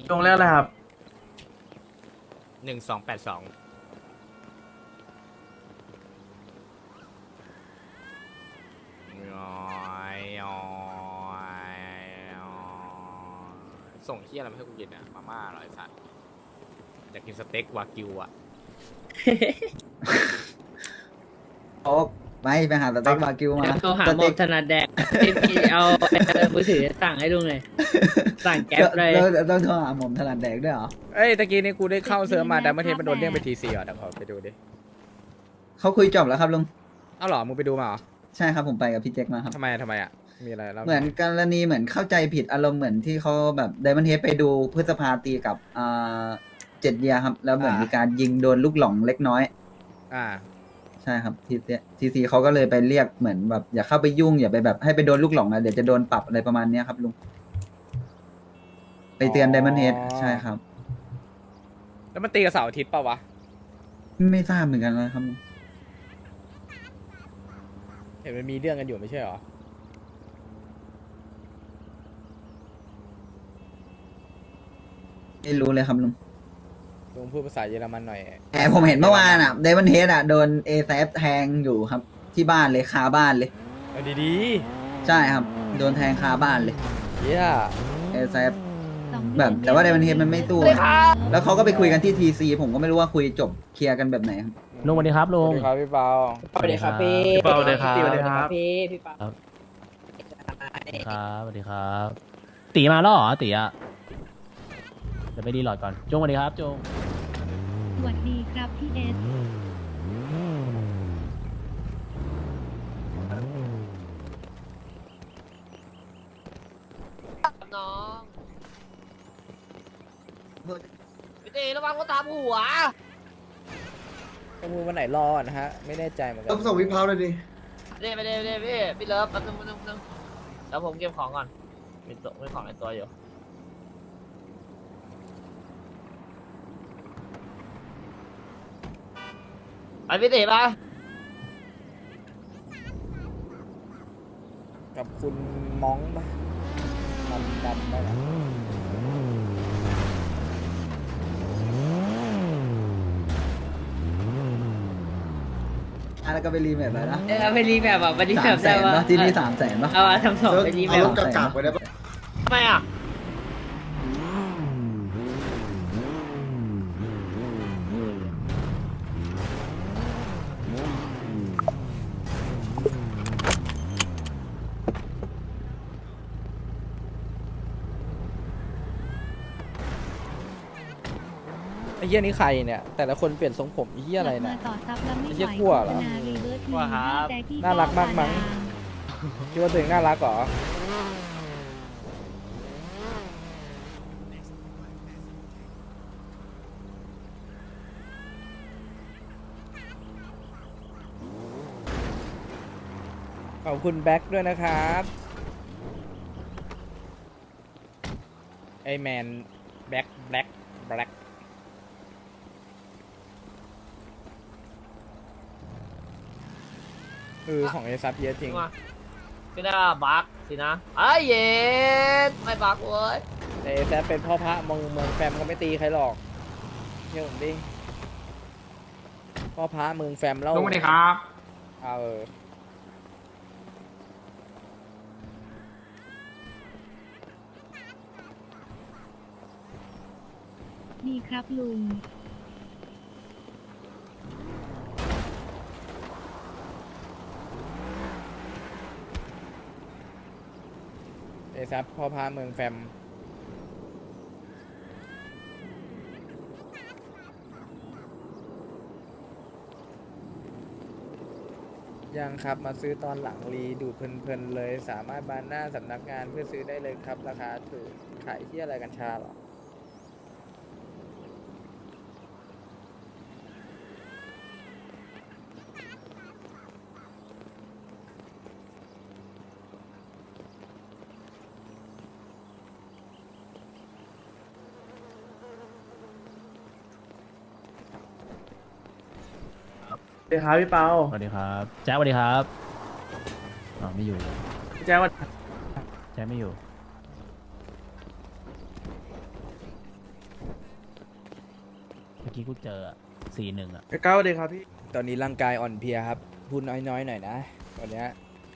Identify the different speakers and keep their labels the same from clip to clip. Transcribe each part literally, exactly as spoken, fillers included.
Speaker 1: จงเรียกอะไรครับ
Speaker 2: หนึ่งสองแปดสองส่งเที่ยอะไรมาให้กูกินอ่ะมาม่าอร่อยสัตว์อยากกินสเต็กวากิวอ่ะ
Speaker 3: โอ๊กไม่ไปหาสเต็กบาร์กิวมา
Speaker 4: แล้วโทรหา
Speaker 3: ส
Speaker 4: หมอ
Speaker 3: เต็
Speaker 4: ก
Speaker 3: ก
Speaker 4: ถนัดแดกพี่เอามือถือสั่งให้ลุงเลย สั่งแก๊ปเลย
Speaker 3: แล้วแล้วต้องโทรหาหม่อมถนัดแดกด้วยเหรอ
Speaker 2: เอ้ยตะกี้นี้กูได้เข้าเซิร์ฟมาแต่เมื่อเทปมันโดนเรียกไปทีซีอ่ะเดี๋ยวขอไปดูดิ
Speaker 3: เขาคุยจบแล้วครับลุง
Speaker 2: เอ้าเหรอมึงไปดูมาเหรอ
Speaker 3: ใช่ครับผมไปกับพี่แจ็คมาครับ
Speaker 2: ทำไมทำไมอ่ะมีอะไรแล้ว
Speaker 3: เหมือนกรณีเหมือนเข้าใจผิดอารมณ์เหมือนที่เขาแบบไดมอนเฮดไปดูพฤษภาตีกับอ่าเจ็ดเยียครับ แล้วเหมือนมีการยิงโดนลูกหลงเล็กน้อย
Speaker 2: อ่า
Speaker 3: ใช่ครับทีทีซีเขาก็เลยไปเรียกเหมือนแบบอย่าเข้าไปยุ่งอย่าไปแบบให้ไปโดนลูกหลงนะเดี๋ยวจะโดนปรับอะไรประมาณเนี้ยครับลุงไปเตือนไดมอนเฮดใช่ครับ
Speaker 2: แล้วมันตีกับเสาร์อาทิตย์เปล่าวะ
Speaker 3: ไม่ทราบเหมือนกันนะครับลุง
Speaker 2: เห็นมันมีเรื่องกันอยู่ไม่ใช่เหรอ
Speaker 3: ไม่รู้เลยครับลุง
Speaker 2: ลุงพูดภาษาเยอรมันหน่อย
Speaker 3: แต่ผมเห็นเมื่อวานอ่ะไดมอนเฮดอ่ะโดนเอแซฟแทงอยู่ครับ ที่บ้านเลยคาบ้านเลย
Speaker 2: เอาดี
Speaker 3: ใช่ครับ โดนแทงคาบ้านเลย
Speaker 2: ๆเฮีย
Speaker 3: เอแซฟแบบแต่ว่าไดมอนเฮดมันไม่สู้แล้วเขาก็ไปคุยกันที่ทีซีผมก็ไม่รู้ว่าคุยจบเคลียร์กันแบบไหนครับ
Speaker 5: ลุงสวัสดีครับ
Speaker 2: ส
Speaker 5: ลุ
Speaker 2: วั
Speaker 5: ง
Speaker 2: สดีครับพี่เปา
Speaker 4: สวัสดีครับพี่
Speaker 1: พี่เปาสวัสดีครับ
Speaker 4: สวัสดีครับพี่พี่เปา
Speaker 5: ครับสวัสดีครับ ตีมาแล้วเหรอตีอะเดี๋ยวไปดีหลอดก่อนจงสวัสดีครับจง
Speaker 6: สวัสดีครับพี่เอส
Speaker 4: น้องพี่ตีระวังก็ตามหัว
Speaker 2: ประมูลวันไหนรอนะฮะ ไม่แน่ใจเหมือนกั
Speaker 7: ต้องส่งวิพาวเลยดิ
Speaker 4: เด้ไปเด้ไปเด้พี่พี่เลิฟแป๊บนึงแป๊บนึงแป๊บนึงแล้วผมเก็บของก่อนมีตัวมีของในตัวอยู่ไปพี่ตีปะ
Speaker 2: กับคุณมองปะดำดำได้ไหม
Speaker 3: อ่ะแล้วก็ไปรีแมทเลยนะ
Speaker 4: เออไปรีแบบแบบไปรีแบ
Speaker 3: สาม
Speaker 4: บ
Speaker 3: แส
Speaker 4: ได้
Speaker 3: น
Speaker 4: ปะ
Speaker 3: ปะที่นี่สามแสนปะ
Speaker 4: เอาอะทำสองไปรีแบ
Speaker 7: เอา
Speaker 4: บ
Speaker 7: รถกากๆไปได้ปะ
Speaker 4: ทำไมอ่ะ
Speaker 2: ไอ้เหี้ยนี่ใครเนี่ย แต่ละคนเปลี่ยนทรงผมไอ้เหี้ยอะไร
Speaker 6: กลับ
Speaker 2: เนี่
Speaker 6: มาย ต่อซับแล้วไม่
Speaker 2: ไอ้
Speaker 6: ไห
Speaker 2: เหี้
Speaker 6: วย
Speaker 2: กลัวเหรอ
Speaker 6: โฆษณารีเวิร์สที
Speaker 4: กลัวครับ
Speaker 6: แจ็คกี้
Speaker 2: น่ารักมากมั้ง คิดว่าตัวเองน่ารักเหรอ ขอบคุณแบ็คด้วยนะครับ ไอแมนแบ็คแบ็คแบ็คเออของเอซับเยอะจริง
Speaker 4: มาก็ได้บักสินะไอ้เย็นไม่บักเว้ย
Speaker 2: แต่เอซับเป็นพ่อพระเมืองเมืองแฟมก็ไม่ตีใครหรอกเชื่อผมดิ พ่อพระเมืองแฟมแล้ว
Speaker 1: ลุงสวัสดีครับ
Speaker 2: เอาเออ
Speaker 6: ดีครับลุง
Speaker 2: เอซับพ่อพระเมืองแฟม ยังครับมาซื้อตอนหลังรีดูดเพลินๆเลย สามารถบานหน้าสำนักงานเพื่อซื้อได้เลยครับ ราคาถูกขายที่อะไรกัญชาเหรอ
Speaker 1: สวัสดีครับพี่เปา
Speaker 5: สวัสดีครับแจ๊คสวัสดีครับอ๋อไม่อยู่
Speaker 1: พี่แจ๊คว่า
Speaker 5: แจ๊คไม่อยู่เมื่อกี้กูเจอสี่หนึ่งอ่ะ
Speaker 1: เก้าเลยครับพี่
Speaker 2: ตอนนี้ร่างกายอ่อนเพลียครับ พูดน้อยๆหน่อยนะวันเนี้ย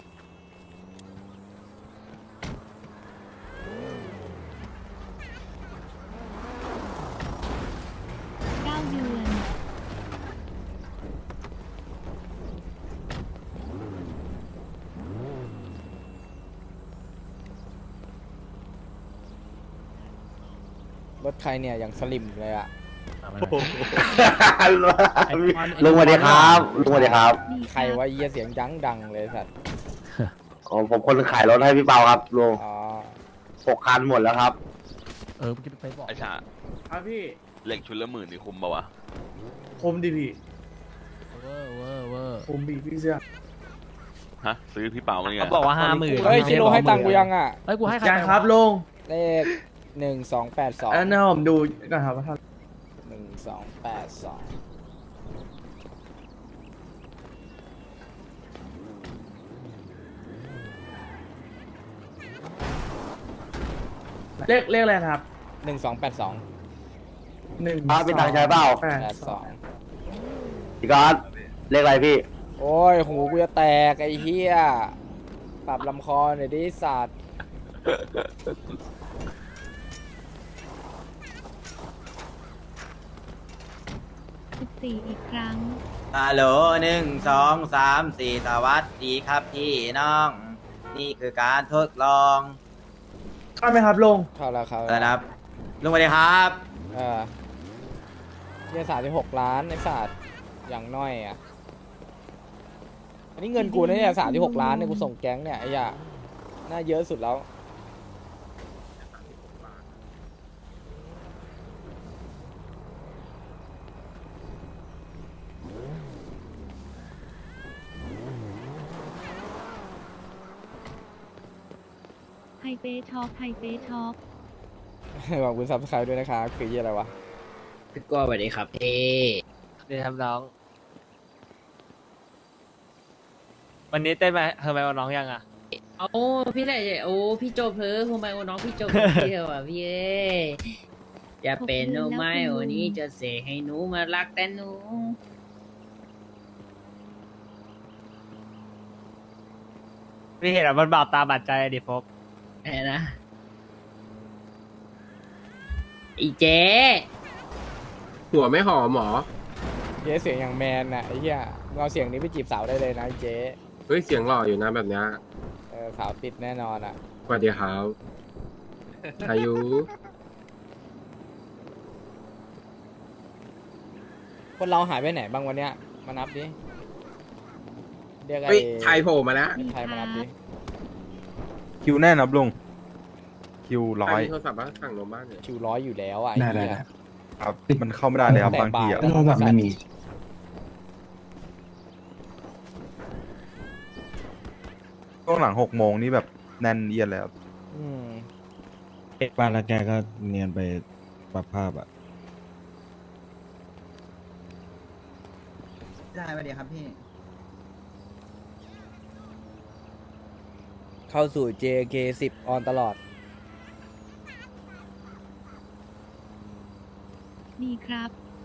Speaker 6: เก้าเดือน
Speaker 2: รถใครเนี่ยอย่างสลิมเลยอะ
Speaker 5: เอามาห
Speaker 7: โอ้
Speaker 5: น่อย
Speaker 7: โห
Speaker 5: ไอ้บอลไอ้
Speaker 7: ลุงสวัสดีครับลุงสวัสดีครับ
Speaker 6: ดี
Speaker 2: ใครว่าเยี่ยเสียงดังดังๆเลยสัตว์
Speaker 7: อ๋อผมคนขายรถให้พี่เปาครับลุง
Speaker 2: อ๋อ
Speaker 7: หกคันหมดแล้วครับ
Speaker 5: เออเมื่อกี้ไปบอก
Speaker 8: ไอ้ชา
Speaker 1: ครับพี่
Speaker 8: เหล็กชุดละหมื่นนี่คุ้มปะวะ
Speaker 1: คมดิพี่
Speaker 5: เวอร์เวอร์เวอร์
Speaker 1: คมบีพี่เสื้อ
Speaker 8: ฮะ ซื้อพี่เปามาเนี่ย
Speaker 5: เขาบอกว่าห้าหมื่น
Speaker 2: เฮ้ยคิโลให้ตังค์กูยังอะ
Speaker 5: เฮ้ยกูให้ใคร
Speaker 1: ยัง
Speaker 5: ไป
Speaker 1: ครับ
Speaker 5: วะ
Speaker 1: ลง
Speaker 2: เลขหนึ่งสองแปดสอง
Speaker 1: อันนั้นผมดูก่อนครับว่าเท่า
Speaker 2: หนึ่งสองแปดสอง
Speaker 1: เลขเลขอะไรครับ
Speaker 2: หนึ่งสองแปดสอง
Speaker 1: หนึ่ง
Speaker 7: อ่าเป็นทางใช้เปล่า
Speaker 1: แปด
Speaker 2: แปด
Speaker 1: ส
Speaker 2: ส
Speaker 1: อ
Speaker 2: อง ง
Speaker 7: พี่ก๊อตเลขอะไรพี่
Speaker 2: โอ้ยหูกูจะแตกไอ้เหี้ยปรับลำคอหน่อยดิสัตว์
Speaker 6: สิบสี่อีกครั้ง
Speaker 9: ฮัลโหลหนึ่งสองสามสี่สวัสดีครับพี่น้อง นี่คือการทดลอง
Speaker 1: เข้าไหมครับลง
Speaker 2: เข้าแล้วเข้า
Speaker 9: อะไร
Speaker 2: แล้ว
Speaker 9: นะครับลุงสวัสดีครับ
Speaker 2: เออเหี้ยสามสิบหกล้านไอ้สัตว์อย่างน้อยอ่ะ อันนี้เงินกูนะเนี่ยสามสิบหกล้านเนี่ยกูส่งแก๊งเนี่ยไอ้ยาน่าเยอะสุดแล้ว
Speaker 6: ไฮเปช็อปไฮเปช็อป
Speaker 2: ขอบคุณซับสไครต์ด้วยนะคะคือยี่อะไรวะ
Speaker 10: พี่ก้สวัสดีครับเอ
Speaker 4: เดี๋ยวทำน้อง วันนี้เต้นไปเธอไปวันน้องยังอ่ะ
Speaker 10: โอ้พี่ไหนโอ้พี่โจเพอโฮไมโอน้องพี่โจเพอเที่ยวอ่ะพี่เอ้ยจะเป็นโนไมโอนี้จะเสกให้หนูมารักแต่หนู
Speaker 4: พี่เห็นอ่ะมันบาดตาบาดใจอะดิโฟก
Speaker 10: ไอ้นะอีเจ๊
Speaker 11: หัวไม่หอมหมอ
Speaker 2: เจ๊เสียงอย่างแมนน่ะไอ้เหี้ยมึงเอาเสียงนี้ไปจีบสาวได้เลยนะไอ้เจ๊
Speaker 11: เฮ้ย เสียงหล่ออยู่นะแบบเนี้ย
Speaker 2: เออสาวติดแน่นอนอ่ะ
Speaker 11: สวัสดีครับอายุ
Speaker 2: คนเราหายไปไหนบ้างวันเนี้ยมานับดิเรียกไอ้
Speaker 11: เฮ้ยชายโผล่มาแล้ว
Speaker 2: ไทยมานับดิ
Speaker 7: คิวแน่นครับลุงคิวร้อย
Speaker 11: มีโทรศัพท์ว่าสั่งนมบ้านเนี่ย
Speaker 2: คิวร้อยอยู่แล้วอ่ะไอ้เหี้ย
Speaker 7: ครับมันเข้าไม่ได้เลยครับบางทีอะ
Speaker 2: โทรศัพท์ไม่มี
Speaker 7: ช่วงหลังหกโมงนี่แบบแน่นเอียดเลยครับ
Speaker 2: อืม
Speaker 12: บ้านแล้วแกก็เนียนไปปรับภาพอ่ะ
Speaker 3: ได้สวัสดีครับพี่
Speaker 2: เข้าสู่ เจ เค สิบ ออนตลอด
Speaker 6: ดีครับ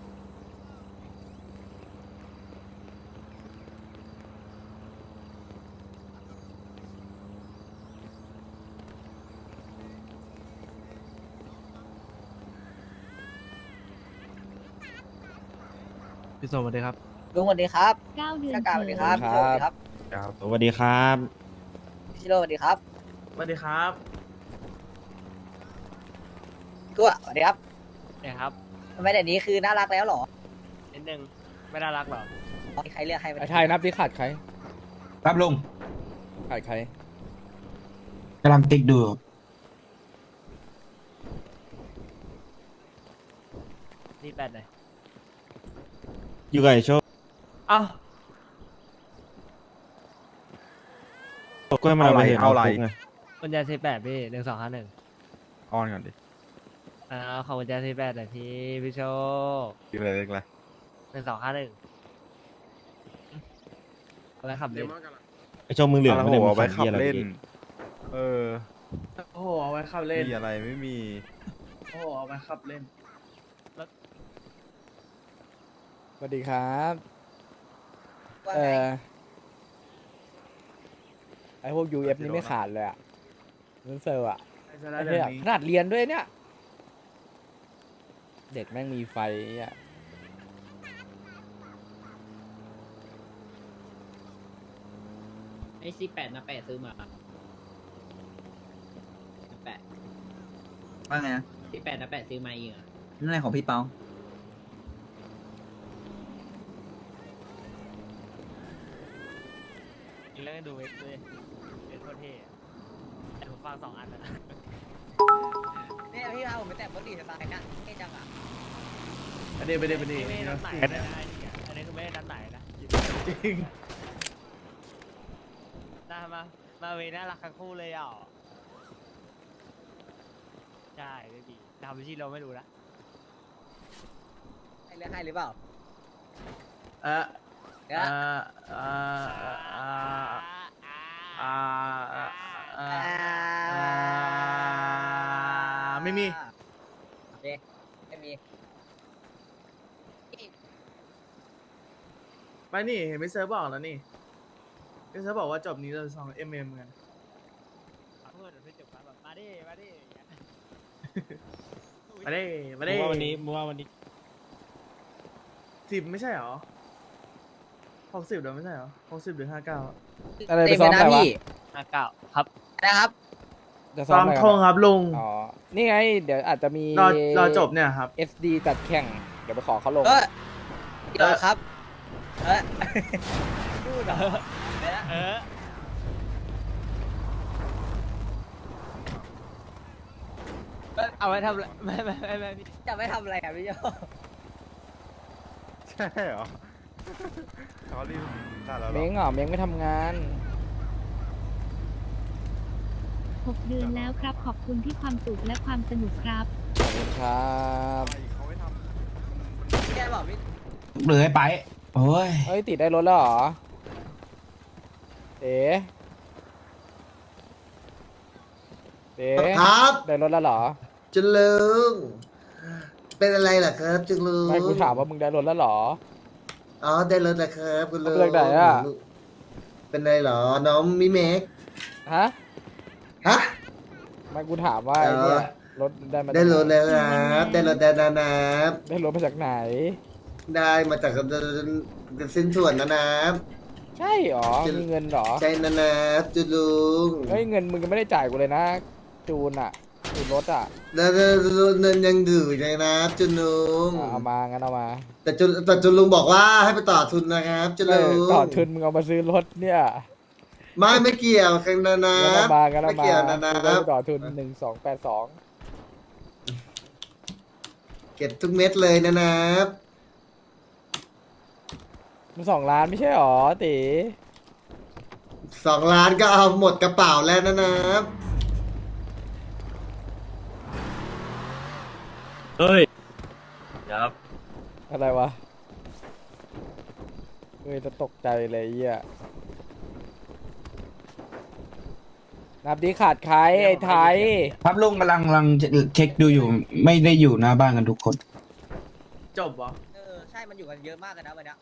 Speaker 1: พี่สมสวัสดีครับ
Speaker 10: ลุงสวัสดีครับ
Speaker 6: เก้าเดือน
Speaker 10: ชากาส
Speaker 6: เขิ
Speaker 10: วัสดี
Speaker 6: น
Speaker 10: ครับ
Speaker 2: ครั
Speaker 10: พี่
Speaker 2: บ
Speaker 10: โจสวัสดีครับ
Speaker 7: ครับ
Speaker 12: สวัสดีครับ
Speaker 10: พี่โรสวัสดีครับ
Speaker 1: สวัสดีครับ
Speaker 10: ตัวสวัสดีครับ
Speaker 4: เนี่ยครับ
Speaker 10: ทำไมเดี๋ยวนี้คือน่ารักแล้วเหรอ
Speaker 4: นิดนึงไม่น่ารักหรอ
Speaker 10: มีใครเลือกให้ไหม
Speaker 2: ไอ้ไทยนับดิขาดใคร
Speaker 12: ครับลุง
Speaker 2: ขาดใคร
Speaker 12: กำลังติ๊กดู
Speaker 4: นี่แปดเลย
Speaker 12: อยู่กับไอโชค
Speaker 4: อ้าว
Speaker 12: ก็ให้มันเอาไปเห็น
Speaker 7: เอาอะไร
Speaker 12: คุกไง
Speaker 4: กุญแจสิบแปดพี่หนึ่งสองห้าหนึ่ง
Speaker 7: อ้อนก่อนดิ
Speaker 4: อ่าขอกุญแจสิบแปดหน่อยพี่พี่โชค
Speaker 7: คิวอะไรเล็กอะไร
Speaker 4: หนึ่งสองห้าหนึ่งอะไรขับ
Speaker 11: เด
Speaker 4: เล่น
Speaker 11: มอนกำลัง
Speaker 12: ไอโชคมึงเหลือง
Speaker 7: เอา
Speaker 12: ไม่ได้
Speaker 7: หั
Speaker 12: มึ
Speaker 7: ว
Speaker 12: ง
Speaker 7: ไว้
Speaker 12: ขั
Speaker 7: ขั
Speaker 12: บบ เหี้ยอะไร
Speaker 7: เล่น
Speaker 12: อีก
Speaker 7: เออ
Speaker 1: โอ้โหเอาไว้ขับเล่น
Speaker 7: มีอะไรไม่มี
Speaker 1: โอ้โหเอาไว้ขับเล่น
Speaker 2: วัสดีครับเออไอพวก ยู เอฟ นี่ไม่ขาดเลยอ่ะเงินเซอร์อ่ะ
Speaker 1: ไอ้สาระ
Speaker 2: ไอ้
Speaker 1: เดี๋
Speaker 2: เหี้
Speaker 1: ย
Speaker 2: ยว
Speaker 1: นี้
Speaker 2: ขนาดเรียนด้วยเนี่ย เด็กแม่งมีไฟอ่ะ
Speaker 10: ไอ้ซีแปดนะแปดซื้อมาแปด
Speaker 3: ว่าไงนะ
Speaker 10: ซีแปดนะแปดซื้อมาเองอ่ะ
Speaker 3: นั่นอะไรของพี่เปา
Speaker 4: อีกเรื่องดูเอ็กซ์ด้วยเอ็กซ์โคตรเท่อะแต่ผมฟังสองอันนะ
Speaker 9: เนี่ยพี่พาผมไปแต่งรถดีสไตล์นะเท่จังอ่ะ
Speaker 1: ไปดิไปดิไปดิ
Speaker 4: ไม่ได้นัดไหน
Speaker 1: อั
Speaker 4: นะไอ้นี่อันนี้คือไม่ได้นัดไหนนะ
Speaker 1: จริง
Speaker 4: น่ามามาเวน่ารักทั้งคู่เลยอ่ะใช่ไม่ดีทำไปที่เราไม่รู้นะ
Speaker 9: ให้เลือกให้หรือเปล่า
Speaker 1: เออเออเออเออเออเออไม่มี
Speaker 9: โอเคไม่มี
Speaker 1: ไปนี่เห็นไม่เซิร์ฟบอกแล้วนี่ไม่เซิร์ฟบอกว่าจบนี้เราสองเอ็มเอ็มกัน
Speaker 4: เพื่อนเพื่อนจบแบบมาดิมาดิอย่างเงี้ย
Speaker 1: มาดิมาดิ
Speaker 5: ว่าวันนี้มึงว่าวันนี้
Speaker 1: สิบไม่ใช่หรอหกสิบเดี๋ยวไม่ใช่หรอหกสิบหรือห้าเก้า
Speaker 2: อะไรไปซ้อมอะไรวะ
Speaker 4: ห้าเก้าครับ
Speaker 9: นะครับ
Speaker 2: จะซ้
Speaker 1: ซ้
Speaker 2: อ
Speaker 1: อ
Speaker 2: ม
Speaker 1: ม
Speaker 2: อะไร
Speaker 1: ทงครับลุง
Speaker 2: อ๋อ นี่ไง เดี๋ยวอาจจะมี
Speaker 1: รอรอจบเนี่ยครับ
Speaker 2: เอส ดี จัดแข่ง เดี๋ยวไปขอเขาลง
Speaker 9: เออเดี๋ยวครับ เออพูดเหรอเดี๋ยวนะ
Speaker 4: เออเอาไว้ทำอะไรไม่ไม่ไม่ไม่พี่
Speaker 9: จะไม่ทำอะไรอ่ะพี่โย
Speaker 7: ใช่เหรอเขารีบตัดแล้วเหร
Speaker 2: เม้
Speaker 7: อง
Speaker 2: เหรอ เม้งไม่ทำงาน
Speaker 6: หกเดือนแล้วครับ ขอบคุณที่ความสุขและความสนุกครับ
Speaker 2: ขอบคุณครับ
Speaker 7: เขาไม่ทำ
Speaker 9: แกบอกพี่
Speaker 12: เหลือไป โอ้ย
Speaker 2: เฮ้ย ติดได้รถแล้วเหรอ เอ๋เอ๋
Speaker 13: ครับ
Speaker 2: ได้รถแล้วเหรอ
Speaker 13: จุนลุงเป็นอะไรล่ะครับจุนลุง
Speaker 2: ไม่กูถามว่ามึงได้รถแล้วเหรอ
Speaker 13: อ๋อได้รถแล้วครับคุณลุง
Speaker 2: เอาไปจากไหนอะ
Speaker 13: เป็นไรเหรอน้องมิเมก
Speaker 2: ฮะ
Speaker 13: ฮะ
Speaker 2: ไม่กูถามว่าไอ้เนี่ย รถได้มาจาก
Speaker 13: ได้รถ
Speaker 2: หน
Speaker 13: แล้วครับได้รถแล้วนะครับ
Speaker 2: ได้รถมาจากไหน
Speaker 13: ได้มาจากสิ้นส่วนนะนะ
Speaker 2: ใช่เหรอ
Speaker 13: จะ
Speaker 2: มีเงินเหรอ
Speaker 13: ใช่นะนะจุนลุง
Speaker 2: เฮ้ย เงินมึงยังไม่ได้จ่ายกูเลยนะ จูนอะจูนรถอะ
Speaker 13: แล้วเงินยังอยู่เลยนะจุนลุง
Speaker 2: อ่ะเอามางั้นเอามา
Speaker 13: แต่จุนแต่จุนลุงบอกว่าให้ไปต่อทุนนะครับจุน
Speaker 2: เอ
Speaker 13: ลุ
Speaker 2: อง ต่อทุนมึงเอามาซื้อรถเนี่ย
Speaker 13: ไม่ไม่เกี่ยวกันนะนะ
Speaker 2: งั้นเอามางั้นเอา
Speaker 13: ไม่
Speaker 2: มา
Speaker 13: เกี่ยวนะนะ
Speaker 2: ซื้อรถไปต่อทุนหนึ่งสองแปดสอง
Speaker 13: เก็บทุกเม็ดเลยนะนะ
Speaker 2: มันสองล้านไม่ใช่หรอตี
Speaker 13: สองล้านก็เอาหมดกระเป๋าแล้วนะนะ
Speaker 1: เฮ้ยครับ
Speaker 2: อะไรวะเฮ้ยจะตกใจเลยไอ้เหี้ยนับดีขาดใครไอ้ไทย
Speaker 12: ครับลุงกำลังกำลังเช็คดูอยู่ ไม่ได้อยู่หน้าบ้านกันทุกคน
Speaker 1: จบเหรอ
Speaker 9: เออใช่มันอยู่กันเยอะมากเลยนะวันเนี้ย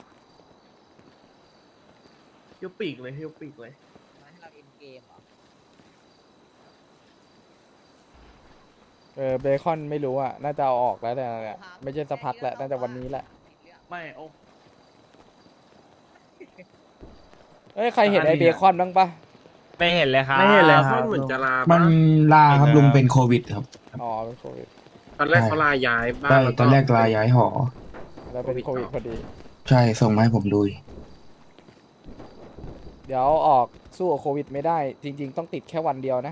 Speaker 1: ฮิวปีกเลยฮิวปีกเลย
Speaker 9: มาให้เราเอ็นเกมเหรอ
Speaker 2: เออเบคอนไม่รู้อ่ะ น่าจะเอาออกแล้วแต่เนี่ยไม่ใช่สักพักแหละน่าจะวันนี้แหละ
Speaker 1: ไม่โอ้
Speaker 2: เอ้ยใครเห็นไอ้เบคอนบ้างปะ
Speaker 4: ไม่เห็นเลยครับ
Speaker 1: ไม่เห็นเลยค
Speaker 11: มั
Speaker 1: รับ
Speaker 11: นเหมือนจะลา
Speaker 12: มั
Speaker 11: บ้าน
Speaker 12: ลาครับลุงเป็นโควิดครับ
Speaker 2: อ๋อเป็นโควิด
Speaker 11: ตอนแรกเขาลาย้ายบ้าน
Speaker 12: ใช่
Speaker 11: แล้ว
Speaker 12: ตอนแรกลาย้ายหอ
Speaker 2: แล้วเป็นโควิดพอดี
Speaker 12: ใช่ส่งมาให้ผมดู
Speaker 2: เดี๋ยวออกสู้กับโควิดไม่ได้ จริง ๆ ต้องติดแค่วันเดียวนะ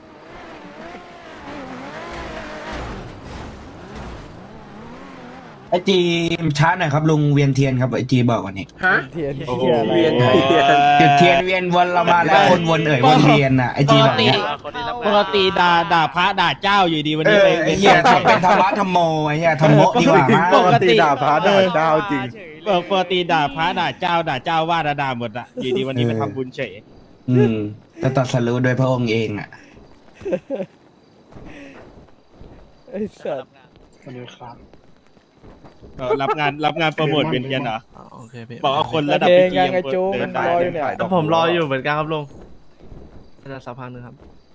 Speaker 12: ไอจีช้าหน่อยครับลุงเวียนเทียนครับไอจีบอกวันนี้
Speaker 11: ฮะ
Speaker 2: เทียน
Speaker 11: โอ้โห
Speaker 2: เทียนอะไร
Speaker 11: เวียนเทียน
Speaker 12: จุดเทียนเวียนวนเรามาแล้วคนวนเอ่ยวนเวียนอ่ะไอจีแบบเนี้ย
Speaker 5: ปกติด่าด่าพระด่าเจ้าอยู่ดีวัน
Speaker 12: เอ
Speaker 5: นี้
Speaker 12: อ
Speaker 5: ไป
Speaker 12: ไอเหี้ยทำเป็นธรรมะธรรมโมไอเหี้ยธรรมโมดีกว่ามั้ง
Speaker 5: ปกติด่าพระด่า
Speaker 7: เจ้าจริง
Speaker 5: ปกติด่าพระด่าเจ้าด่าเจ้าว่าด่าด่าหมดอะอยู่ดีวันนี้ไปทำบุญเฉย
Speaker 12: อืมจะตัดสรู้โดยพระองค์เองอ่ะ
Speaker 2: ไอ้สัส
Speaker 12: สวัสดีครับ
Speaker 11: รับงานรับงานโปรโมทเวียนเทียนเหรอ
Speaker 1: โอเคพี่
Speaker 11: บอกว่าคนระดับ
Speaker 2: เพลง
Speaker 11: พีจี
Speaker 2: ยังไงจุง
Speaker 11: เดินได้
Speaker 2: รออยู่เนี่ย
Speaker 11: ดิน
Speaker 1: ผมรออยู่เหมือนกันครับลุงน่าจะสักพักหนึงครับ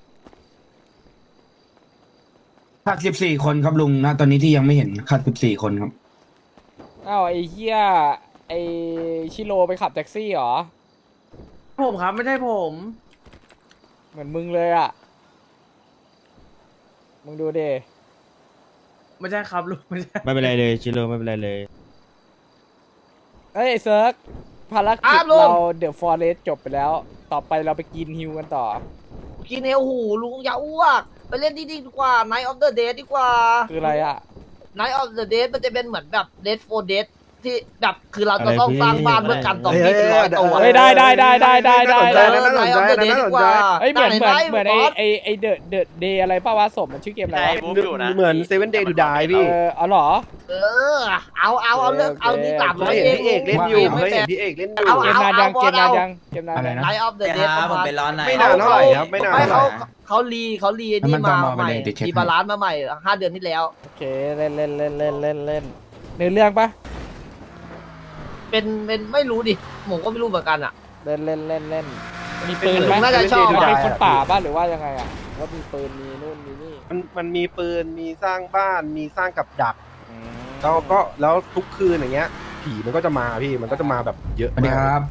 Speaker 12: ขาดสิบสี่คนครับลุงนะตอนนี้ที่ยังไม่เห็นขาดสิบสี่คนครับ
Speaker 2: อ้าวไอ้เหี้ยไอ้ชิโร่ไปขับแท็กซี่เหรอ
Speaker 1: ผมครับไม่ใช่ผม
Speaker 2: เหมือนมึงเลยอ่ะ มึงดูดิ
Speaker 1: ไม่ใช่ครับลุงไม่ใช่
Speaker 11: ไม่เป็นไรเลยชิโร่ไม่เป็นไรเลย
Speaker 2: เอ้ยไอ้เซิร์กภารกิจเราเดอะฟอเรสจบไปแล้ว ต่อไปเราไปกินฮิวกันต่อ
Speaker 4: กินเอวหูลุงอย่าอ้วกไปเล่นที่นี่ดีกว่า Night of the Dead ดีกว่า
Speaker 2: คืออะไรอ่ะ
Speaker 4: Night of the Dead มันจะเป็นเหมือนแบบ Dead for Dead ที่แบบคือเราจะต้องสร้างบ้านเพื่อกันซอมบี้เป็นร้อยตัว
Speaker 2: เฮ้ยได้ได้ได้ได้ได้ได้
Speaker 4: เอ
Speaker 2: ได้
Speaker 4: อ Night of the Dead ดีกว่า
Speaker 2: เฮ้ยเหมือนเหมือนเหมือนไอ้
Speaker 4: บส
Speaker 2: ไอ้ไอ้เดอะเดอะเดย์อะไรป้าวะสมมันชื่อเกมอะไรวะ
Speaker 11: เหมือนเซเว่นเดย์ดูดายพี่
Speaker 2: เออเอาเหรอ
Speaker 4: เออเอาเอาเอาเรื่องเอาที่สามร้อยเอง
Speaker 11: พี่เอกเล่นอยู่
Speaker 4: ไม่
Speaker 11: เคย
Speaker 4: แปล
Speaker 11: เห็น
Speaker 4: ก
Speaker 11: พี่เอกเล่นอยู่
Speaker 4: เอา
Speaker 2: เกมนานยังเกมนานยังเกมนาน
Speaker 12: อะไร
Speaker 2: ยัง
Speaker 12: นะ
Speaker 4: Night of the
Speaker 9: เดี๋ยว
Speaker 4: Dead
Speaker 9: ครับ
Speaker 4: ประ
Speaker 9: ผม
Speaker 4: มาณ
Speaker 9: เป็นร้อนไหน
Speaker 11: ไม่นานเท่าไหร่ครับไม่นาน
Speaker 4: ไม่
Speaker 11: เท่าไห
Speaker 4: เขา
Speaker 11: ร่
Speaker 4: เขารีเขารีนี่
Speaker 12: มัน
Speaker 4: มา
Speaker 12: ต้องมา
Speaker 4: ใหม่
Speaker 12: ไปเลยเดี๋ยวเช็ค
Speaker 4: รี
Speaker 12: ให้
Speaker 4: บาลานซ์มาใหม่ห้าเดือนที่แล้ว
Speaker 2: โอเคเล่นเล่นเล่นเล่นเล่นเล่นเนื้อเรื่องปะ
Speaker 4: เป็นเป็นไม่รู้ดิผมก็ไม่รู้เหมือนกันอ่ะ
Speaker 2: เล่นเล่นเล่นเล่นมีปืนไหม
Speaker 4: น่าจะชอบ
Speaker 2: มันเป็นคนป่าบ้านหรือว่ายังไงอ่ะว่ามีปืนมีนู่นมีนี่
Speaker 11: มันมันมีปืนมีสร้างบ้านมีสร้างกับดักแล้วก็แล้วทุกคืนอย่างเงี้ย ผีมันก็จะมาพี่มันก็จะมาแบบเยอะ
Speaker 12: สวัสดี
Speaker 11: มาก
Speaker 12: ครับ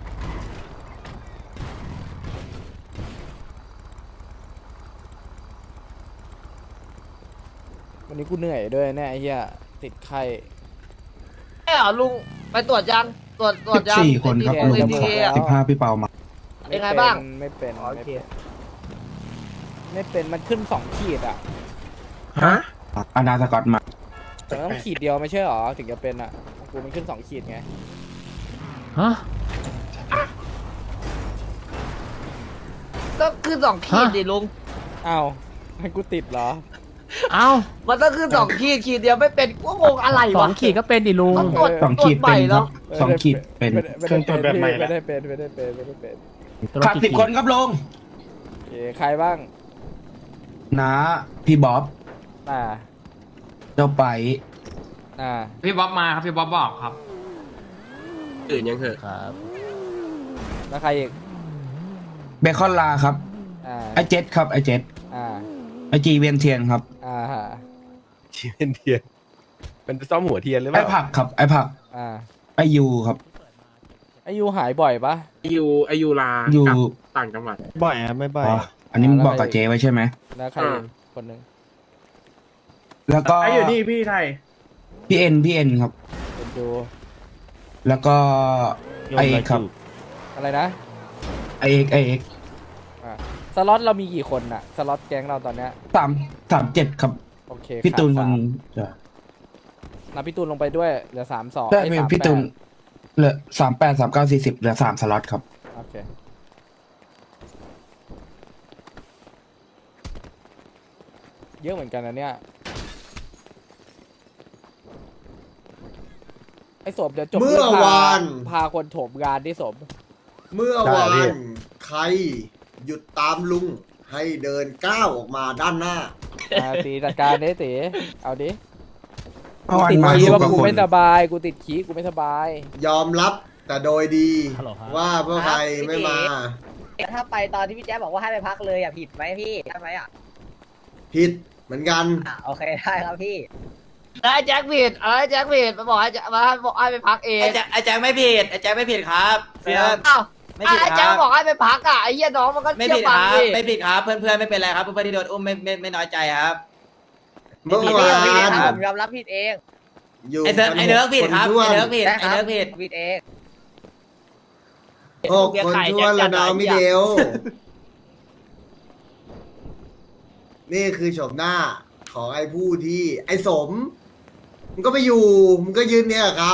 Speaker 2: วันนี้กูเหนื่อยด้วยเนี่ยไอ้เหี้ยติดไข้
Speaker 4: เอ้ยเหรอลุงไปตรวจยังตรวจตรวจยัง
Speaker 12: สี่คนครับ
Speaker 4: เอ
Speaker 12: ลุง
Speaker 4: ที
Speaker 12: ขอ
Speaker 4: เออะ
Speaker 12: สิบห้าพี่เปามา
Speaker 4: เป็นไงบ้าง
Speaker 2: ไม่เป็น
Speaker 4: อ๋อโอ
Speaker 2: ไม่
Speaker 4: เค
Speaker 2: เป็นไม่เป็นมันขึ้นสองขีดอ่ะ
Speaker 11: ฮะ
Speaker 12: อานาสกอตมา
Speaker 2: แต่มันต้องขีดเดียวไม่ใช่หรอถึงจะเป็นอ่ะของกูมันขึ้นสองขีดไง
Speaker 5: ฮะ
Speaker 4: ก็คือสองขีดดิลุง
Speaker 2: อ้าวให้กูติดเหรอ
Speaker 5: เอ้า
Speaker 4: มันต้องคือสองขีดขีดเดียวไม่เป็นก็งงอะไร
Speaker 5: ส
Speaker 4: วะ
Speaker 5: องขีดก็เป็นดิลุง
Speaker 4: ต้องตรวจ
Speaker 12: สองขีด
Speaker 4: ตรวจให
Speaker 12: เป็
Speaker 4: ม่
Speaker 12: นค
Speaker 4: แล้
Speaker 12: รั
Speaker 4: ว
Speaker 12: บสองขีดเป็น
Speaker 2: ไม่ได้
Speaker 11: เครื่องตรวจแบบใหม่
Speaker 2: ไม่ได้เป็นไม่ได้เป็นไม่ได้เป็น
Speaker 12: ขาดสิบคนครับลุง
Speaker 2: เอ้ใครบ้าง
Speaker 12: นะพี่บ๊อบ
Speaker 2: อ่า
Speaker 12: เจ้าไป
Speaker 2: อ่า
Speaker 10: พี่บ๊อบมาครับพี่บ๊อบบอกครับ
Speaker 11: อื่นยังเหอะ
Speaker 5: ครับ
Speaker 2: แล้วใครอีก
Speaker 12: เบคอนลาครับ
Speaker 2: อ่า
Speaker 12: ไอเจ็ดครับไอเจ็ด
Speaker 2: อ่า
Speaker 12: ไอจีเวียนเทียนครับ
Speaker 2: อ่าฮะ
Speaker 11: เทียนเทียนเป็นซ่อมหัวเทียนหรือเป
Speaker 12: ไอ
Speaker 11: ล่า
Speaker 12: ผักครับไอผัก
Speaker 2: อ่า
Speaker 12: ไอยูครับ
Speaker 2: ไอายุหายบ่อยปะ
Speaker 11: อายุอายุลา
Speaker 12: อยู่
Speaker 11: กับต่างจังหวัดบ่อยครับไม่บ่อย
Speaker 12: อ๋ออันนี้มึงบอกกับเจไว้ใช่ไหม
Speaker 2: แล้วใครอีก
Speaker 11: อ่า
Speaker 2: คนหนึ่ง
Speaker 12: แล้วก็
Speaker 1: ไอ้อยู่นี่พี่ไทย
Speaker 12: พี่เอ็นพี่เอ็นครับ
Speaker 2: เป็นดู
Speaker 12: แล้วก็ไอเอกครับ
Speaker 2: อะไรนะ
Speaker 12: ไอเอกไอเอก
Speaker 2: อ่าสล็อตเรามีกี่คนอะสล็อตแก๊งเราตอนเนี้ย
Speaker 12: สามสามเจ็ดครับ
Speaker 2: โอเค
Speaker 12: พี่ตูน
Speaker 2: ขา
Speaker 12: ค
Speaker 2: ด
Speaker 12: น
Speaker 2: สาม
Speaker 12: จะ
Speaker 2: นับพี่ตูนลงไปด้วยเหลือสามสอง
Speaker 12: ได้
Speaker 2: ไอ้
Speaker 12: มี
Speaker 2: สาม
Speaker 12: พี่
Speaker 2: แป
Speaker 12: ตู
Speaker 2: ด
Speaker 12: นเหลือสามแปดสามเก้าสี่สิบเหลือสามสล็อตครับ
Speaker 2: โอเคเยอะเหมือนกันนะเนี่ยไอ้ศพเดี๋ยวจบ
Speaker 13: เมื่อ
Speaker 2: พ
Speaker 13: วาน
Speaker 2: พาคนโถมงานที่ศพ
Speaker 13: เมื่อ
Speaker 12: ได้
Speaker 13: วา
Speaker 12: พี่
Speaker 13: นใครหยุดตามลุงให้เดินก้าวออกมาด้านหน้า
Speaker 2: อ่าตีจัดการดิตีเอาดิ
Speaker 12: เมื่อวาน
Speaker 2: ติด
Speaker 12: มา
Speaker 2: ขี้
Speaker 12: สิบ
Speaker 2: ว่าก
Speaker 12: ว่า
Speaker 2: กู
Speaker 12: คน
Speaker 2: ไม่สบายกูติดขี้กูไม่สบาย
Speaker 13: ยอมรับแต่โดยดี
Speaker 5: ฮัลโหลครับ
Speaker 13: ว่าพวกใครไม่มา
Speaker 4: ถ้าไปตอนที่พี่แจ๊บบอกว่าให้ไปพักเลยอ่ะผิดไหมพี่ใช่ไหมอ่ะ
Speaker 13: ผิดเหมือนกัน
Speaker 4: อ่ะโอเคได้ครับพี่ไอ้แจ็คผิดไอ้แจ็คผิดมาบอกให้มาบอกให้ไปพักเอง
Speaker 9: ไอแจ็คไอแจ็คไม่ผิดไอแจ็คไม่ผิดครับเพื่อน
Speaker 4: อ้าว
Speaker 9: ไม่ผิด
Speaker 4: ไอ้
Speaker 9: ค
Speaker 4: แจ็
Speaker 9: รั
Speaker 4: ค
Speaker 9: บ
Speaker 4: บอกให้ไปพักอ่ะไอ้เหี้ยน้องมันก็
Speaker 9: ไม่
Speaker 4: เชื่อ
Speaker 9: ผิด
Speaker 4: ฟั
Speaker 9: ค
Speaker 4: ง
Speaker 9: รับ
Speaker 4: ดิ
Speaker 9: ไม่ผิดครับเพื่อนเพื่อนๆไม่เป็นไรครับเพื่อนๆที่โดนอุ้มไม่ไม่ไม่น้อยใจครับ
Speaker 13: เมื่อ
Speaker 9: ผิด
Speaker 13: วา
Speaker 9: ผิด
Speaker 13: น
Speaker 9: ครับ
Speaker 4: ผมยอมรับผิดเอง
Speaker 13: อยู่
Speaker 9: ไอเซิร์ฟไอเนิร์กผิดครับ
Speaker 13: คน
Speaker 9: ไอ
Speaker 13: ท้วน
Speaker 9: เนิร์กผิดไอเนิร์กผิด
Speaker 4: ผิดเอง
Speaker 13: หกคนท้วนแล้วน้องมิเดล นี่คือโฉมหน้าของไอ้ผู้ที่ไอ้สมมันก็ไปอยู่มันก็ยืนเนี่ยกับเขา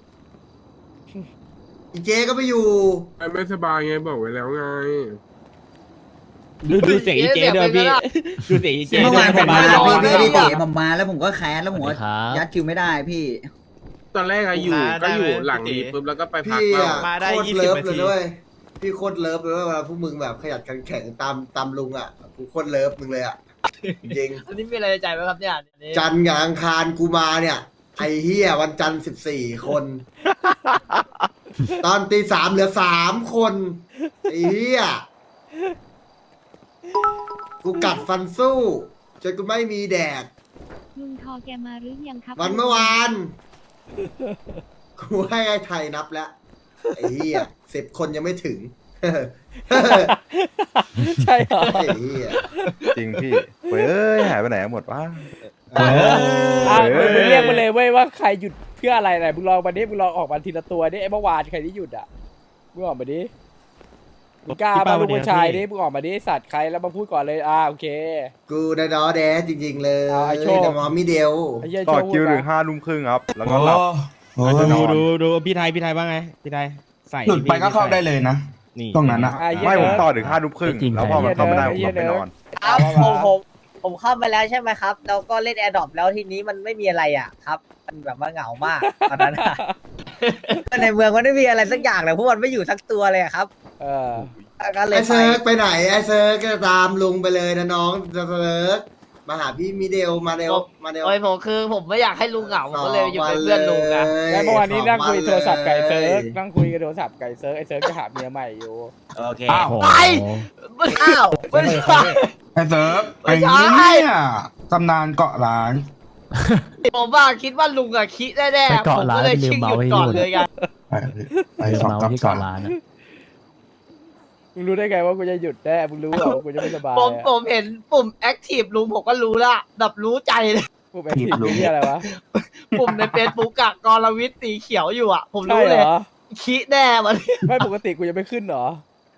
Speaker 13: อีเจก็ไปอยู่
Speaker 11: ไอ้ไม่สบายไงบอกไว้แล้วไง
Speaker 4: ดูดูเสียงอีเจด้วยพี่
Speaker 10: ดูเสียงอีเจ
Speaker 3: เมื่อวานผมมา
Speaker 4: ไม่ได้
Speaker 3: พี่
Speaker 4: ไม่
Speaker 3: ไม่
Speaker 4: ได้
Speaker 3: ได้เตะผมมาแล้วผมก็แค้นแล้วผมก็
Speaker 5: ครับ
Speaker 3: ยัดคิวไม่ได้พี่
Speaker 11: ตอนแรกอะอยู่ก็อยู่หลังนี้ปุ๊บแล้วก็ไปพัก
Speaker 13: พี่
Speaker 11: บ้า
Speaker 13: อะ
Speaker 11: ง
Speaker 13: โคตรเลิฟเลยด้วยพี่โคตรเลิฟเลยว่าเวลาพวกมึงแบบขยันขันแข็งตามตามลุงอ่ะกูโคตรเลิฟมึงเลยอ่ะจริง
Speaker 4: อันนี้มีอะไรในใจไหมครับเนี่ย
Speaker 13: จันทร์กับอังคารกูมาเนี่ยไอ้เฮียวันจันทร์สิบสี่คน ตอนตีสามเหลือสามคนไอ้เฮียกูกัดฟันสู้จนกูไม่มีแดก
Speaker 6: ลุงทอแกมาหรือยังครับ
Speaker 13: วันเมื่อวานกูให้ไอ้ไทยนับแล้วไอ้เหี้ยสิบคนยังไม่ถึง
Speaker 2: ใช่เหรอ
Speaker 13: ไอ้เหี้ย
Speaker 7: จริงพี่เว้ยเอ้ยหายไปไหนหมดวะ
Speaker 2: อ่ะมึงมึงเรียกมาเลยเว้ยว่าใครหยุดเพื่ออะไรไหนมึงลองมาดิมึงลองออกมาทีละตัวดิไอ้เมื่อวานใครที่หยุดอ่ะมึงออกมาดิมึงกล้ามาลูกผู้ชายดิมึงออกมาดิสัตว์ใครแล้วมาพูดก่อนเลยอ่าโอเค
Speaker 13: กูได้ดอแดจริง ๆ เลย
Speaker 2: เอาไอ้โชค
Speaker 13: แต่มอมิเดล
Speaker 2: ไอ้เหี้ย
Speaker 7: ต่อ
Speaker 2: โช
Speaker 7: คิว
Speaker 2: พูด
Speaker 7: ถึง
Speaker 2: มา
Speaker 7: ห้าทุ่มครึ่งครับ แล้วก็หลับ
Speaker 12: โอ้
Speaker 7: แล้วจะน
Speaker 12: ดู
Speaker 7: อน
Speaker 12: ดูดูพี่ไทยพี่ไทยว่าไงพี่ไทยใส่
Speaker 9: หลุดไปก็เข้าได้เลยนะ
Speaker 12: นี่
Speaker 9: ตรงนั้นอะ
Speaker 2: อ่ะเหี้ย
Speaker 7: ไม่ผม
Speaker 2: เนิร์ด
Speaker 7: ต่อถึงห้าทุ่มครึ่งแล้วพอมันเข้าไม่ได้ผมกลับไปนอน
Speaker 4: ครับผมผมผมเข้ามาแล้วใช่ไหมครับแล้วก็เล่นแอร์ดรอปแล้วทีนี้มันไม่มีอะไรอ่ะครับมันแบบว่าเหงามากตอนนั้นอะ ในเมืองมันไม่มีอะไรสักอย่างเลยพวกมันไม่อยู่สักตัวเลยอะครับ
Speaker 2: เออ
Speaker 4: ก็เลย
Speaker 13: ไอ้
Speaker 4: ไป
Speaker 13: เซิร์กไปไหนไอ้เซิร์กก็ตามลุงไปเลยนะน้องเซิร์กมาหาพี่มิเดลมาเดลมาเดล
Speaker 4: โอ้ยผมคือผมไม่อยากให้ลุงเหงาผมก็เลยอยู่เป็นเพื่อนลุงนะ
Speaker 2: แล้วเมื่อวานนี้นั่งคุยโทรศัพท์ไก่เซิร์ก
Speaker 13: สองวันเลย
Speaker 2: นั่งคุยกับโทรศัพท์ไก่เซิร์กไอ้เซิร์กจะหาเมียใหม่อยู่
Speaker 9: โอเค
Speaker 12: อ้าว
Speaker 4: ไปไม่อ้าวไม่ใช่
Speaker 12: ไอ้เซิร์ฟ
Speaker 4: ไม่
Speaker 12: ไอ้
Speaker 4: ใช่
Speaker 12: เนี่ยตำนานเกาะล้าน
Speaker 4: ผมว่าคิดว่าลุงอะคิดแน่
Speaker 5: ไป
Speaker 4: ๆ
Speaker 5: เกาะ
Speaker 4: ผม
Speaker 5: ร้าน
Speaker 4: ก็เลย
Speaker 5: ไปลื
Speaker 4: ชิ
Speaker 5: ม
Speaker 4: ง
Speaker 5: เมา
Speaker 4: หยุด
Speaker 5: ให้
Speaker 4: ก่อน
Speaker 5: นู่น
Speaker 4: เลยกัน
Speaker 12: ไปไป
Speaker 5: ลืม
Speaker 12: สอง
Speaker 5: เมา
Speaker 12: กับ
Speaker 5: ที่
Speaker 12: สา
Speaker 5: เกาะ
Speaker 12: ม
Speaker 5: ร้านอะ
Speaker 2: มึงรู้ได้ไงว่ากูจะหยุดแน่มึงรู้เหรอกูจะไม่สบาย
Speaker 4: ผม
Speaker 2: อะ
Speaker 4: ผมเห็นปุ่มแอคทีฟลุงผมก็รู้ละแบบรู้ใจเลย
Speaker 2: กูแอคทีฟรู้ที่อะไรวะ
Speaker 4: ปุ่มในเฟซบุ๊กอะกรวิทย์สีเขียวอยู่อะผม
Speaker 2: ใช่
Speaker 4: รู้
Speaker 2: เห
Speaker 4: เล
Speaker 2: ร
Speaker 4: ย
Speaker 2: อ
Speaker 4: คิดแน่มัน
Speaker 2: ไม่ปกติกูจะไม่ขึ้นเหรอ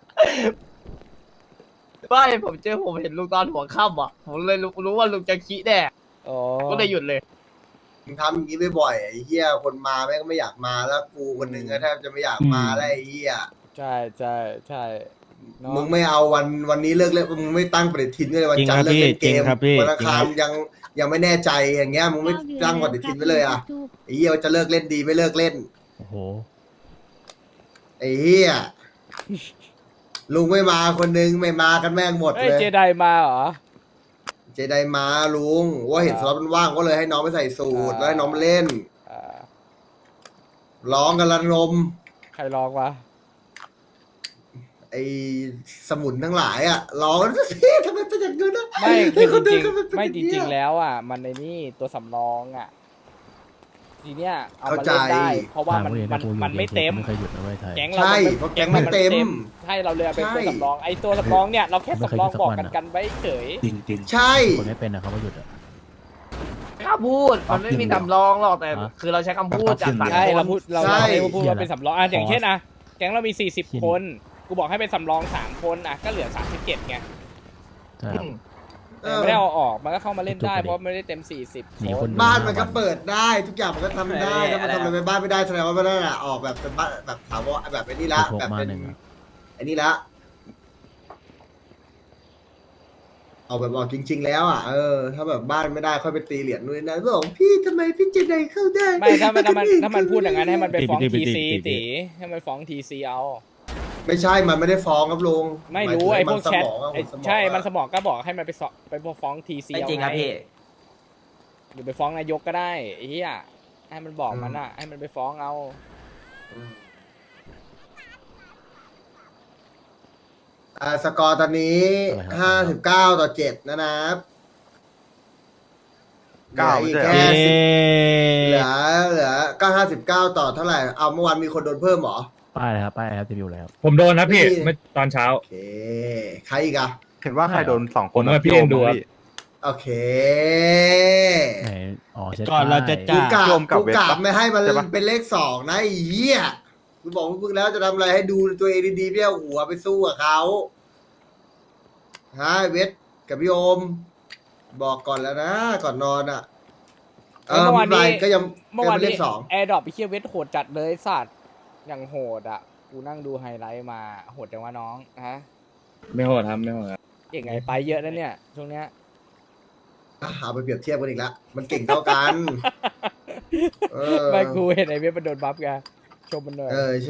Speaker 4: ไม่ผมเจอผมเห็นลุงตอนหัวค่ำอะผมเลยรู้รู้ว่าลุงจะคิดแน่
Speaker 2: อ๋อ
Speaker 4: ก็เลยหยุดเลย
Speaker 13: มึงทำอย่างนี้บ่อยๆไอ้เหี้ยคนมาแม่งก็ไม่อยากมาแล้วกูคนหนึ่งก็แทบจะไม่อยากมาแล้วไอ้เหี้ย
Speaker 2: ใช่ใช่ใช่เนอะ
Speaker 13: มึงไม่เอาวันวันนี้เลิกเล่นมึงไม่ตั้งปฏิทินไว้เลยวันจันทร์เลิกเล่นเกมวันอังคารยังยังไม่แน่ใจอย่างเงี้ยมึงไม่ตั้งปฏิทินไว้เลยอ่ะไอ้เหี้ยว่าจะเลิกเล่นดีไม่เลิกเล่น
Speaker 5: โอ้โห
Speaker 13: ไอ้เหี้ยลุงไม่มาคนนึงไม่มากันแม่งหมด
Speaker 2: เอ้
Speaker 13: เลย ย
Speaker 2: เจไดมาเหรอ
Speaker 13: เจไดมาลุงว่าเห็นสล็อตมันว่างก็เลยให้น้องไปใส่สูตรแล้วให้น้องมาเล่น
Speaker 2: อ่า
Speaker 13: ร้องกันระงม
Speaker 2: ใครลองวะ
Speaker 13: ไอ้สมุนทั้งหลายอ่ะร้องพี่ทำไมเป็นอย่างนี้นะ
Speaker 2: ไม่คือจริง
Speaker 13: ทำไม
Speaker 2: ๆ
Speaker 13: เป็น
Speaker 2: ไม่
Speaker 13: อ
Speaker 2: จ
Speaker 13: ย่างนี้
Speaker 2: ริง
Speaker 13: อะ
Speaker 2: ๆแล้วอ่ะ มันในนี่ตัวสำรองอ่ะ ทีเนี้ยเอามา
Speaker 13: เข้าใจ
Speaker 2: เล่นได้ เพราะว่ามัน
Speaker 5: ทง
Speaker 2: มัน
Speaker 5: กูเห็
Speaker 2: มันไม่เต็ม
Speaker 5: ไม่เคยหยุดนะเว้ยไทย
Speaker 2: แก๊งเรา
Speaker 13: ใช่
Speaker 2: มัน
Speaker 13: เพราะแก๊งไม่เต็ม
Speaker 2: ใช่เราเลยเอาเป็น
Speaker 13: ใช่
Speaker 2: ตัวสำรองไอ้ตัวสำรองเนี่ยเราแค่
Speaker 5: ไม่เคย
Speaker 2: สำรอง
Speaker 5: สัก
Speaker 2: บอก
Speaker 5: วัน
Speaker 2: กัน
Speaker 5: อะ
Speaker 2: กันไว้เฉย
Speaker 12: จริงจริง
Speaker 13: ใช่
Speaker 5: คนไม่เป็นนะเขาว่าหยุดอะ
Speaker 4: กล้าพูดมันไม่มีคำร้องหรอกแต่
Speaker 5: ฮะ
Speaker 4: คือเราใช้คำพูดจากปาก
Speaker 2: ใช่
Speaker 4: คน
Speaker 2: เราพูดเรา
Speaker 13: ใช่
Speaker 2: เราพูดว่าเป็นสำรองอ่ะอย่าง
Speaker 5: ขอ
Speaker 2: เช่นนะแก๊งเรามีสี่สิบ
Speaker 5: ชิ้น
Speaker 2: คน กูบอกให้เป็นสำรองสามคนอ่ะก็เหลือสามสิบเจ็ดไง
Speaker 5: ใช่ครับ
Speaker 13: เออ
Speaker 2: ไม่ได้เอาออกมันก็เข้ามาเล่นได้
Speaker 5: จุกไปดิ
Speaker 2: เพราะไม่ได้เต็มสี่สิบ
Speaker 5: หนี
Speaker 2: ค
Speaker 5: คน
Speaker 2: น
Speaker 13: บ้านมันก็เปิดได้ทุกอย่างมันก็ทำได้
Speaker 9: เออ
Speaker 13: ถ้ามันทำอะไรไปบ้านไม่ได้แสดงว่าไม่ได้ละออกแบบเป็นบ้านแบบถาวรแบบไอ้นี่ละ
Speaker 5: หก
Speaker 13: แบบ
Speaker 5: มา
Speaker 13: เป็น
Speaker 5: หนึ่งอะ
Speaker 13: ไอ้นี่ละเอาแบบออกจริง ๆ แล้วอ่ะเออถ้าแบบบ้านไม่ได้ค่อยไปตีเหรียญนู่นนนั่นบอกพี่ทำไมพี่เจไดเข้าได้
Speaker 2: ไม่ถ้ามันถ้ามันถ้ามันพูดอย่างนั้นให้มันไปฟ้อง
Speaker 12: ตี
Speaker 2: ที
Speaker 12: ตี
Speaker 2: ซี
Speaker 12: ตีตี
Speaker 2: ตีให้มันฟ้องทีซีเอา
Speaker 13: ไม่ใช่มันไม่ได้ฟ้องครับลุง
Speaker 2: ไม่รู้
Speaker 13: ห
Speaker 2: ไอ้
Speaker 13: มาย
Speaker 2: พ
Speaker 13: ถึ
Speaker 2: ว
Speaker 13: ง
Speaker 2: ก
Speaker 13: มันสมองอะ
Speaker 2: แชทไอ้
Speaker 13: ผสมอง
Speaker 2: ใช่
Speaker 13: อะ
Speaker 2: มันสมองก็บอกให้มันไปสอไปฟ้องทีซี
Speaker 9: ไม่
Speaker 2: เอา
Speaker 9: จริงครับ
Speaker 2: ไง
Speaker 9: พี่
Speaker 2: หรือไปฟ้องนายกก็ได้ไอ้เหี้ยให้มันบอกมันอ่ะให้มันไปฟ้องเอา
Speaker 13: อ่าสกอร์ตอนนี้
Speaker 5: อะไรครับ
Speaker 13: ห้าสิบเก้าต่อเจ็ดนะนะครับ
Speaker 7: เก้า
Speaker 13: เหลืออีก
Speaker 7: ไม่ใช่
Speaker 13: แค่
Speaker 7: เหรอ
Speaker 13: สิบเหลือเหลือก็ห้าสิบเก้าต่อเท่าไหร่เอาเมื่อวานมีคนโดนเพิ่มเหรอ
Speaker 5: ป้ายเลยครับป้ายครับจะมีอยู่แล้ว
Speaker 11: ผมโดนนะพี่
Speaker 13: พี่
Speaker 11: เมื่อตอนเช้า
Speaker 13: โอเค ใครอีกอะ
Speaker 7: เห็นว่าใครโดนสองคน
Speaker 11: ผมว่า
Speaker 7: อะ
Speaker 11: พี่เอ็นดู
Speaker 7: โยม
Speaker 11: ครับ
Speaker 7: พี่
Speaker 13: โอเค
Speaker 5: ไหนอ๋อเช็ด
Speaker 12: ก่อนเราจะ
Speaker 5: ป้ย
Speaker 13: กูกะ
Speaker 7: โยมกับ
Speaker 13: กู
Speaker 7: เวท
Speaker 13: กะ
Speaker 7: ปะ
Speaker 13: ไม่ให้มัน
Speaker 7: ใช่ปะ
Speaker 13: เป็นเลขสองนะไอ้เหี้ยกูบอกมึงแล้วจะทำอะไรให้ดูตัวเองดีๆไม่เอาหัวไปสู้กับเขาฮะเวทกับพี่โอม บอกก่อนแล้วนะก่อนนอนอ่ะเออ
Speaker 2: เมื่อวานนี้
Speaker 13: ไม่เป็นไรก็ยัง
Speaker 2: เมื่อวาน
Speaker 13: ก็เป็นเล
Speaker 2: นี้
Speaker 13: ขสอง
Speaker 2: แอร์ดรอปไปเคียเวทโหดจัดเลยสัตว์อย่างโหดอ่ะกูนั่งดูไฮไลท์มาโหดจังวะน้องฮะ
Speaker 11: ไม่โหดครับไม่โหดครับ
Speaker 2: เก่งไงไปเยอะนะเนี่ยช่วงเนี้ย
Speaker 13: อ่ะเอาไปเปรียบเทียบกันอีกแล้วมันเก่งเท่ากันเออ
Speaker 2: ไม่กูเห็นไอ้เวทมันโดนบัฟไงชมมันหน่อย
Speaker 13: เออใช่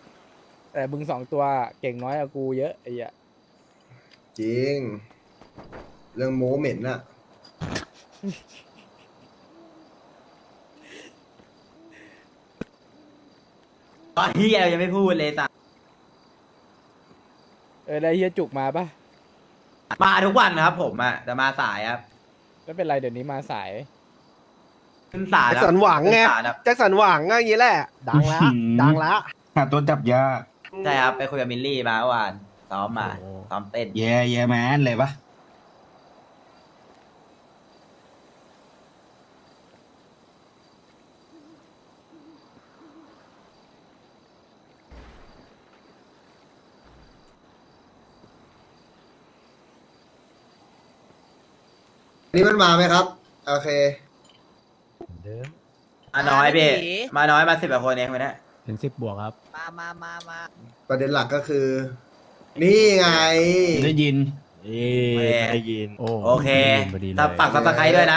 Speaker 2: แต่มึงสองตัวเก่งน้อยกว่ากูเยอะไอ้เหี้ย
Speaker 13: จริงเรื่องโม้เหม็นน่ะ
Speaker 9: ตอนที่เรายังไม่พูดเลยสัตว์
Speaker 2: เออแล้วเฮียจุกมาปะ
Speaker 9: มาทุกวันนะครับผมอะแต่มาสายครับ
Speaker 2: ไม่เป็นไรเดี๋ยวนี้มาสาย
Speaker 9: ขึ้นศาล
Speaker 11: แจ็ค
Speaker 9: ครับ
Speaker 11: สันหวังไง
Speaker 9: ขึ้นศาลครับ
Speaker 11: แจ็คสันหวังก็อย่างนี้แหละ ดังแล้วดังแล้ว
Speaker 12: หาตัวจับยาก
Speaker 9: ใช่ครับไปคุยกับมิลลี่มาเมื่อวานซ้อมมาซ้อมเต้น
Speaker 12: แย่แย่แมนเลยปะ
Speaker 13: นี่มันมาไหมครับ โอเค
Speaker 9: มาน้อยพี่มาน้อยมาสิบกว่าคนเองวันนี้
Speaker 5: เป็นสิบบวกครับ
Speaker 4: มามามามา
Speaker 13: ประเด็นหลักก็คือ นี่ไง
Speaker 12: ได้ยิน
Speaker 5: ได้ยิน โอ้
Speaker 9: โอเค
Speaker 5: พอดีเลย
Speaker 9: ถ้าปักซับสไครต์ด้วยนะ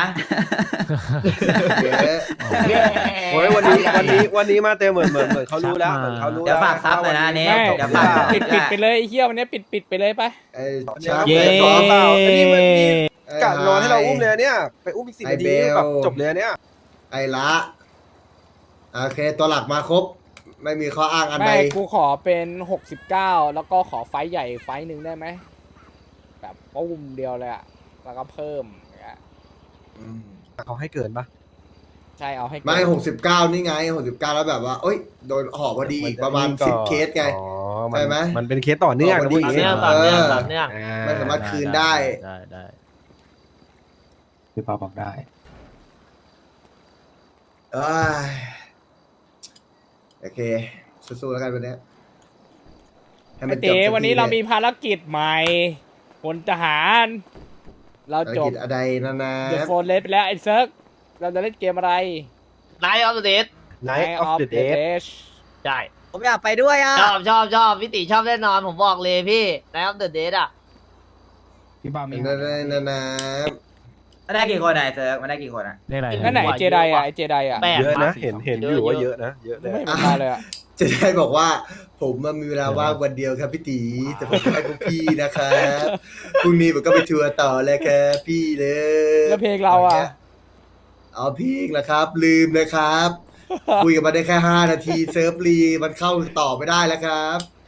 Speaker 11: โอ้ยวันนี้วันนี้วันนี้มาเต็มเหมือนเหมือนเหมือนเขารู้แล้วเหมือนเขารู้
Speaker 9: เดี๋ยว
Speaker 11: แล้ว
Speaker 9: ฝากซับเลยนะอันนี้
Speaker 2: ไม่
Speaker 9: เดี๋ยวฝาก
Speaker 2: ปิดปิดไปเลยไอ้เฮียวันนี้ปิดปิดไปเลยไป
Speaker 13: ไอ้ชาร์ป
Speaker 5: เย้
Speaker 13: ไอ้
Speaker 11: ต่
Speaker 13: ต่
Speaker 11: อ
Speaker 13: อ
Speaker 11: เปล่าอันนี้มันนี่
Speaker 13: ไอ้
Speaker 11: กะนอนให้เราอุ้ม
Speaker 13: ไฮ
Speaker 11: เลยเนี่ยไปอุ้มอีกสิบ
Speaker 13: ไอ้
Speaker 11: นาที
Speaker 13: เบล
Speaker 11: แบบจบเลยเนี่ย
Speaker 13: ไอ้ละโอเค ตัวหลักมาครบ ไม่มีข้ออ้างอันใด
Speaker 2: ไม่กูขอเป็นหกสิบเก้าแล้วก็ขอไฟท์ใหญ่ไฟท์หนึ่งได้ไหมแบบปุ้มเดียวเลยอะแล้วก็เพิ่มอย่างเงี้ย
Speaker 11: เขาให้เกินปะ
Speaker 2: ใช่เอาให้เกิน
Speaker 13: ไม่หกสิบเก้านี่ไงหกสิบเก้าแล้วแบบว่าเอ้ยโดนห่อพอดีอีกประมาณสิบเคสไง
Speaker 11: อ๋อ
Speaker 13: ใช่ไหม
Speaker 11: มันเป็นเคสต่อเนื่องนะพูดอย่างงี้
Speaker 13: ต่อเนื่อง
Speaker 11: ต่อเนื่อง
Speaker 13: ไม่สามารถคืนได้
Speaker 5: ได้ได้
Speaker 12: พี่เปาบอกได้
Speaker 13: เอ้ยโอเคสู้ๆแล้วกันวันเนี้ยให้
Speaker 2: ไอ้
Speaker 13: มันจ
Speaker 2: เต๋
Speaker 13: บสัก
Speaker 2: วันนี้
Speaker 13: ที
Speaker 2: เรา
Speaker 13: ลย
Speaker 2: มีภารกิจใหม่พลทหาร เรา
Speaker 13: ภาร
Speaker 2: จบ
Speaker 13: กิจอะไรนะนะ
Speaker 2: เดอะโฟนเลสไปแล้วไอ้เซิร์กเราจะเล่นเกมอะไร
Speaker 10: นายออฟเดต
Speaker 11: Night of the Dead
Speaker 10: ใช่
Speaker 4: ผมอยากไปด้วยอ่ะ
Speaker 10: ชอบชอบชอบพี่ติชอบแน่นอนผมบอกเลยพี่นายออฟเดตอ่ะ
Speaker 12: พี่เปามี
Speaker 13: นะนะนะนะ
Speaker 9: มันได้กี่คนอะไอ้เซิร์ฟมันได้กี่คนอะ
Speaker 5: เรียกอะไร
Speaker 2: นั่นไหนไอ้เจไดอะไอ้เจไดอะ
Speaker 10: แปด
Speaker 11: เยอะนะ
Speaker 10: มั้ง
Speaker 11: เห็นเห็นอยู่ว่าเยอะนะเยอะเลย
Speaker 2: ไม่เห็นมาเลยอะ
Speaker 13: จะได้บอกว่า ผมมันมีเวลาว่างวันเดียวครับพี่ตีแต่ผมให้พวกพี่นะครับพรุ่งนี้ผมก็ไปทัวร์ต่อเลยครับพี่เลย
Speaker 2: แล้วเพลงเราอะ
Speaker 13: เอาเพลงละครับ ลืมนะครับ คุยกันมาได้แค่ห้านาทีเซิร์ฟรีมันเข้าต่อไม่ได้แล้วครับ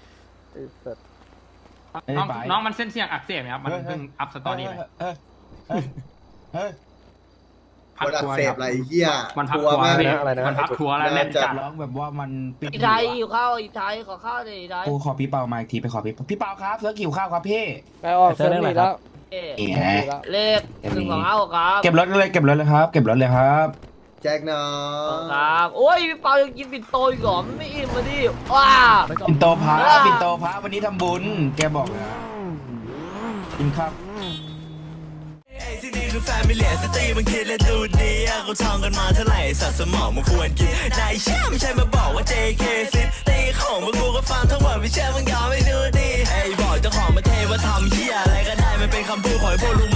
Speaker 12: น้องน้องมัน
Speaker 1: เส้นเสียงอักเสบไหมครับ มันเพิ่งอัพสตอรี่ไป
Speaker 12: เฮ้ยเฮ้ยเฮ้ย
Speaker 13: คนอักเสบอะไรเหี้ย
Speaker 1: มันพัก
Speaker 13: ทัวร์
Speaker 1: ทัวร์
Speaker 13: มาก
Speaker 1: พี่
Speaker 11: อะไรนะ
Speaker 1: มันพักทัวร์แล้วแน่นจัด
Speaker 12: ร้องแบบว่ามันปิด
Speaker 10: อีไทยอยู่ข้าวอีไทยขอข้าวดิอีไทย
Speaker 12: กูขอพี่เปามาอีกทีไปขอพี่เปาพี่เปาครับเสือกิ่วข้าวครับพี่
Speaker 2: ไปออกเซิร์ฟนี่แล้ว
Speaker 10: เอ๊ะ
Speaker 12: เอ๋
Speaker 10: เลขหนึ่งสองห้าครับ
Speaker 12: เก็บรถเลยเก็บรถเลยครับ เก็บรถเลยครับ
Speaker 13: แจ็คน้อ
Speaker 10: ค
Speaker 13: ง
Speaker 10: รับโอ้ยพี่เปายังกินปิ่นโตอีกเหรอมันไม่อิ่มมาดิว้า
Speaker 12: ปินโตพระปินโตพระวันนี้ทำบุญ แกบอกนะกินข้าว
Speaker 14: ที่นี่คือแฟมิเลียสตรีมันคิดและดูดีอะเขาท่องกันมาเท่าไหร่สัตว์สมองมันควรกินนายเชื่อไม่ใช่มาบอกว่า เจ เค ซิตีของพวกกูก็ฟังทั้งหมดไม่เชื่อมึงยอมไม่ดูดีไอ้บอกเจ้าของมาเทว่าทำเหี้ยอะไรก็ได้มันเป็นคำพูดของไอ้พวกลุง